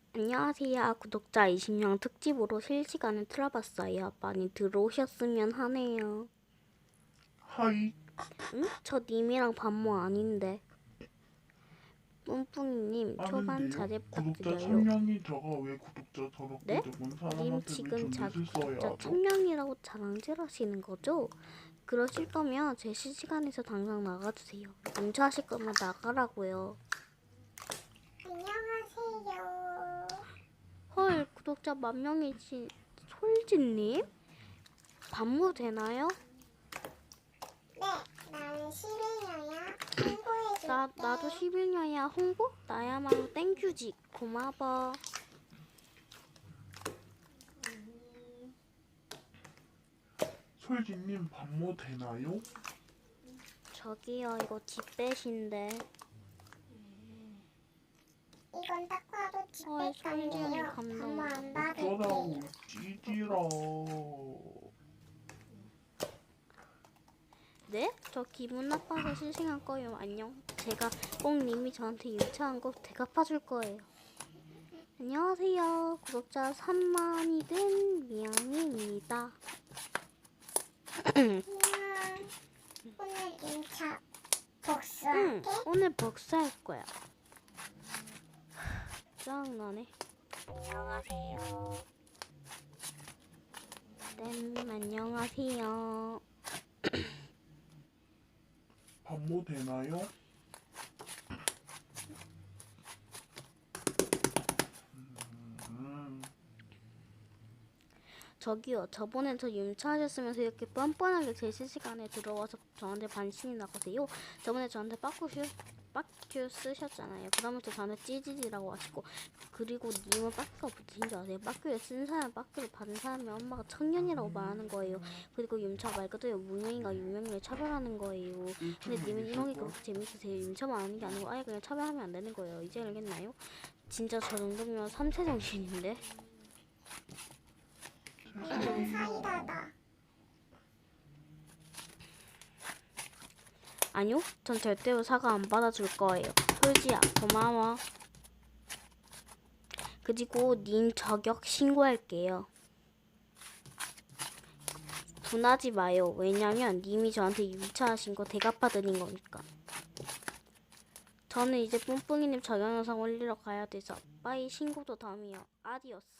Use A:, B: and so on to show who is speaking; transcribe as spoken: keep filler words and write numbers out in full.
A: 안녕하세요. 구독자 이십 명 특집으로 실시간을 틀어봤어요. 많이 들어오셨으면 하네요.
B: 하이.
A: 응? 저 님이랑 반모 아닌데. 뿡뿡이님 초반
B: 아는데요?
A: 자제
B: 구독자
A: 부탁드려요.
B: 천 명이 적어 왜 구독자
A: 네?
B: 더럽게 적은
A: 님
B: 사람한테는
A: 지금 자기
B: 존댓말 써야
A: 구독자
B: 하죠?
A: 천 명이라고 자랑질하시는 거죠? 그러실 거면 제 실시간에서 당장 나가주세요. 문자하실 거면 나가라고요.
C: 안녕하세요.
A: 헐, 구독자 만 명이신 솔진님? 반모 되나요?
C: 네, 나는 시베리아야. 홍보해줄게.
A: 나, 나도 십일 년이야. 홍보? 나야말로 땡큐지. 고마워.
B: 솔지님 반모 되나요?
A: 저기요, 이거 뒷배신데.
C: 이건 딱 봐도
A: 어이,
C: 집백감이에요.
A: 솔직히 감동.
C: 반모 안 받을게.
B: 어쩌라고 찌질아.
A: 네? 저 기분 나빠서 실시간 거예요. 안녕. 제가 꼭 님이 저한테 유치한 거 대갚아줄 거예요. 안녕하세요. 구독자 삼만이 된 미양이입니다.
C: 안녕. 오늘 인차
A: 응,
C: 복수할게.
A: 오늘 복수할 거야. 짜증나네.
C: 안녕하세요.
A: 땜, 안녕하세요.
B: 반모 되나요? 음,
A: 저기요, 저번에 저 윤차하셨으면서 이렇게 뻔뻔하게 제 실시간에 들어와서 저한테 반신이 나가세요. 저번에 저한테 빠꾸슈, 빠큐 쓰셨잖아요. 그다음부터 저한테 찌질이라고 하시고, 그리고 님은 빠큐가 붙으신 줄 아세요? 빠큐를 쓴 사람, 빠큐를 받은 사람이 엄마가 청년이라고 말하는 거예요. 그리고 윤차 말 그대로 무명인가 유명인을 차별하는 거예요. 근데 님은 이런 게 그렇게 재밌으세요. 윤차만 아는 게 아니고 아예 그냥 차별하면 안 되는 거예요. 이제 알겠나요? 진짜 저 정도면 삼세 정신인데?
C: 이건 사이다다.
A: 아니요, 전 절대로 사과 안 받아줄 거예요. 솔지야, 고마워. 그리고 님 저격 신고할게요. 분하지 마요. 왜냐면 님이 저한테 유차하신 거 대갚아드린 거니까. 저는 이제 뿡뿡이님 저격 영상 올리러 가야 돼서 빠이 신고도 다음이요. 아디오스.